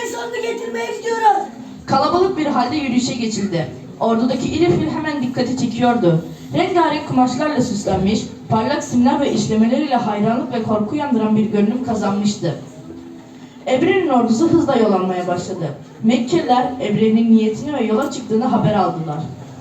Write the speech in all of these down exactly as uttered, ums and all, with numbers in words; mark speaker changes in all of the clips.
Speaker 1: savaşın sonunu getirmeye gidiyoruz.
Speaker 2: Kalabalık bir halde yürüyüşe geçildi. Ordudaki iri fil hemen dikkati çekiyordu. Rengarenk kumaşlarla süslenmiş, parlak simler ve işlemeleriyle hayranlık ve korku uyandıran bir görünüm kazanmıştı. Ebre'nin ordusu hızla yol almaya başladı. Mekkeliler Ebre'nin niyetini ve yola çıktığını haber aldılar.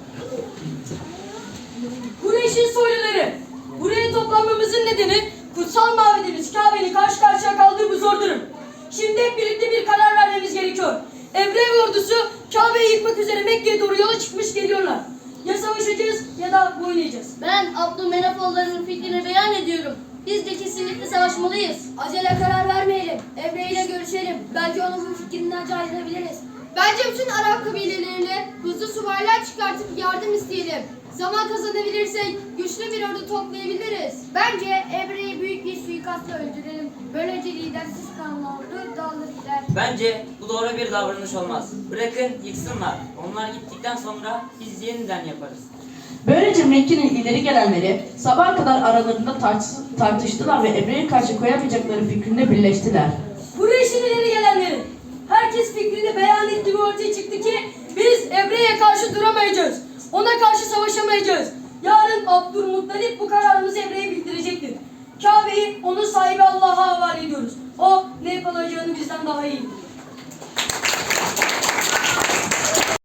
Speaker 3: Kureyş'in soyluları, buraya toplanmamızın nedeni kutsal mabedimiz Kabe'nin karşı karşıya kaldığı bu zor durum. Şimdi hep birlikte bir karar vermemiz gerekiyor. Ebre ve ordusu Kabe'yi yıkmak üzere Mekke'ye doğru yola çıkmış geliyorlar. Ya savaşacağız ya da boyun eğeceğiz.
Speaker 4: Ben Abdülmenafoğullarının fikrini beyan ediyorum. Biz de kesinlikle savaşmalıyız.
Speaker 5: Acele karar vermeyelim. Emre ile görüşelim. Belki onun bu fikrinden cayırabiliriz.
Speaker 6: Bence bütün Arap kabilelerine hızlı subaylar çıkartıp yardım isteyelim. Zaman kazanabilirsek güçlü bir ordu toplayabiliriz.
Speaker 5: Bence Emre'yi büyük bir suikastla öldürelim. Böylece lidersiz kalan ordu dağılır gider.
Speaker 7: Bence bu doğru bir davranış olmaz. Bırakın yıksınlar. Onlar gittikten sonra biz yeniden yaparız.
Speaker 2: Böylece Mekke'nin ileri gelenleri sabaha kadar aralarında tartış- tartıştılar ve Ebre'ye karşı koyamayacakları fikrinde birleştiler.
Speaker 3: Kureyş'in ileri gelenleri, herkes fikrini beyan etti ve ortaya çıktı ki biz Ebre'ye karşı duramayacağız. Ona karşı savaşamayacağız. Yarın Abdülmuttalip bu kararımızı Ebre'ye bildirecek.